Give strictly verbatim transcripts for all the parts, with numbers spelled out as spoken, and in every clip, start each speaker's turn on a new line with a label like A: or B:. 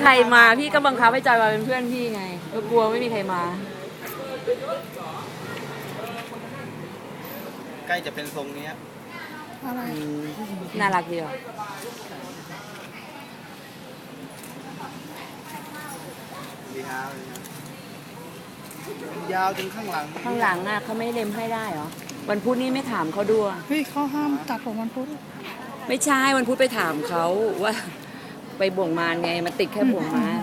A: รมาพี่ก็บังคับให้จอยมาเป็นเพื่อนพี่ไงก็กลัวไม่มีใครมา
B: ใกล้จะเป็นทรงนี้
C: อะไร
A: น่ารักดีอ่ะ
B: ดีฮะยาวจนข้างหลัง
A: ข้างหลังอ่ะเขาไม่เล็มให้ได้เหรอวันพุธนี้ไม่ถามเขาด้วย
C: เฮ้ยเขาห้ามตัดผมวันพุธ
A: ไม่ใช่วันพุธไปถามเขาว่าไปบ่วงมารไงมันติดแค่บ่วงมาร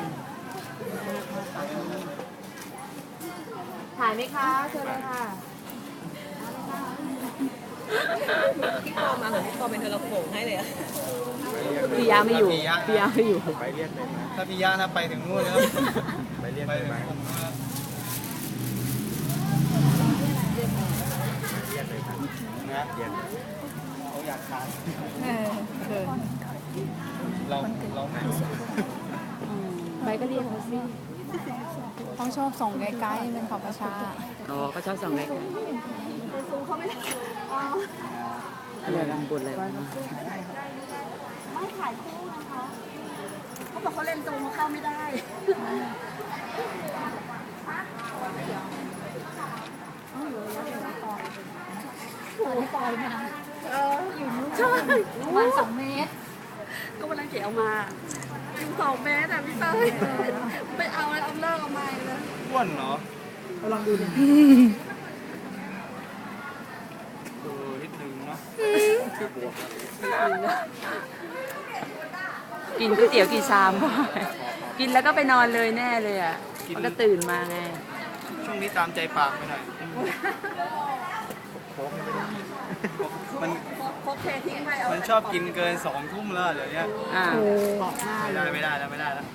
A: ถ่ายไหมคะเชิญเลยค่ะ
D: พี่ปอมาเหมือนพี่ปอเป็นเทเลโขงให้เลยอะ
A: พี่ยาไม่อยู่พี่ยาไม่อยู่
B: ไปเรียกเลยไหมถ้าพี่ยานะไปถึงนู่นแล้วไปเรียกเลยไหมนะเขาอยากทานเราเราไม่
A: ไปก็เรียกเขาสิ
C: เขาชอบส่งไกลๆเป็นของประชา
A: อ๋อเขาชอบส่งไกลๆอะไรลำบุญอะไร
D: ไม่ถ่ายคู่นะคะเขาบอกเขาเล่นตรงเข้าไม่ได้
C: โอ้ยปล่อยมา
D: เอออยู่นู้น
C: ใช่วันสองเมตร
D: ก็วันนั้นเก๋เอามาอยู่สองเมตรแต่พี่เต้ยไปเอาเลยเอาเลิกเอามาเลย
B: อ้วนเหรอลองดูดิดูนิดนึงเนาะ
A: กินก๋วยเตี๋ยวกี่ชามกินแล้วก็ไปนอนเลยแน่เลยอ่ะมันก็ตื่นมาไง
B: ช่วงนี้ตามใจปากไปหน่อยมันมันชอบกินเกินสองทุ่มแล้วเดี๋ยวนี้ไม่ได้ไม่ได้แล้วไม่ได้แล้ว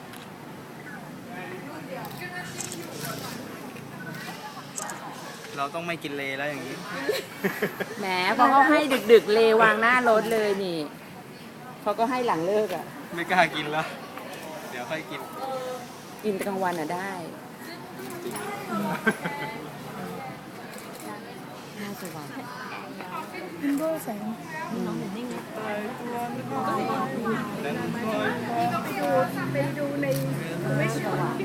B: เราต้องไม่กินเลแล้วอย่างนี้
A: แหมพอเขาให้ดึกๆเลวางหน้ารถเลยนี่เขาก็ให้หลังเลิกอ่ะ
B: ไม่กล้ากินแล้วเดี๋ยวค่อยกิน
A: กินกลางวันอ่ะได้น่าจะหวาน
C: ดูแสงน้องเห็นนิ่งเลย
D: ไปดูในไม่ใช่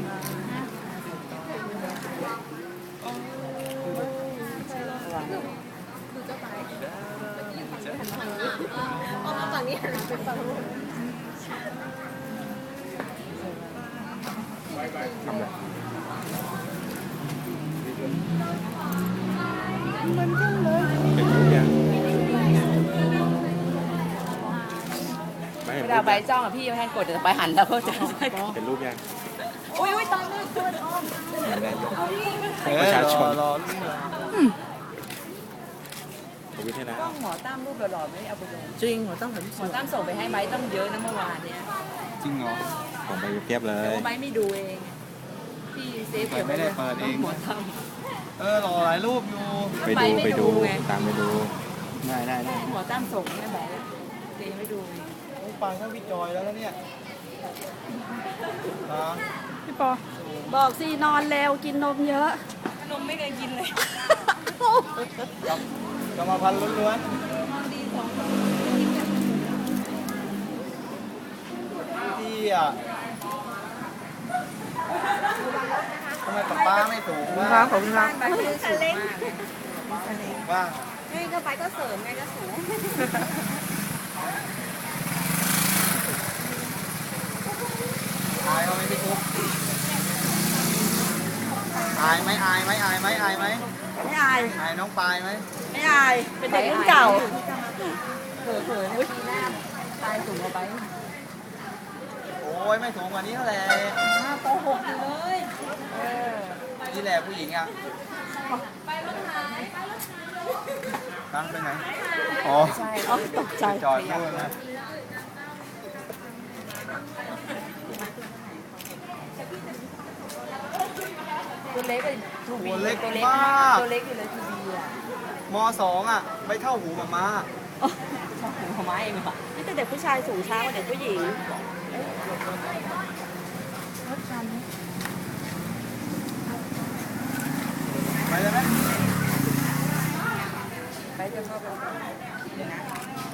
D: ฝั่งนี้เป็นฝั่งนู้น
C: มันจังเลย
A: เวลาใบจ้องอ่ะพี่ไม่ให้กดแต่ไปหันแล้วก็จะ
B: เป็นรูปยัง
D: อุ้ยอุ้ยตอนนี้ตัวอ้อม
B: ประชาชนรอ
A: วิทยาหมอตั้มรูปหล่อๆไม่เอาไปลงจริงหมอตั้มหมอตั้มส่งไปให้ไบต้องเยอะนะเมื่อวานเนี้ย
B: จริงเหรอผมไปเก็บเลย
A: ไบไม่ดูเองพี่เซฟเก็บ
B: ไม่ได้เปิดเอง
A: หมอตั้ม
B: เออหล่อหลายรูปอยู่
A: ไปดูไปดู
B: ตามไปดูได้ได้ได้
A: หมอตั้มส่งให้ไบเซฟไม่ดู
B: โอ้ปังทั้งพี่จอยแล้วเนี่ย
C: พี่ปอ
D: บอกสินอนเร็วกินนมเยอะ
A: นมไม่เคยกินเลย
B: กรรมพันธุ์ล้วนๆที่อ่ะทำไมป้าไม่ถูกว่า
A: ครับผมครับ
B: ว่า
D: ไงก็ไปก็เสริมไงก็สูง
B: อายเขาไหมพี่ทุกอายไหมอายไหมอายไหมอายไหม
D: ไม่อาย
B: อายน้องปายไหม
D: ไม่อายเป็นเด็กรุ่นเก่า
A: เผลอๆอุ้ยตายสูงกว่าไป
B: โอ้ยไม่สูงกว่านี้เท่าไหร่
D: โกหกอยู่เลย
B: นี่แหละผู้หญิงอ่ะตั้งไปไหนอ๋อ
A: ใช่ตกใจ
B: จอดนู่นนะ
A: ตัวเล็กเลย
B: ตัวเล็กมาก
A: ตัวเล็กอยู่เลยทีวีอ่ะ
B: มสองอ่ะไปเท่าหูมาม่า
A: ชอบหูมาม่าเองเหรอ
D: นี่แต่เด็กผู้ชายสูงช้ากว่าเด็กผู้หญิง
B: ไปเลยไหม
A: ไปจะเข้าไป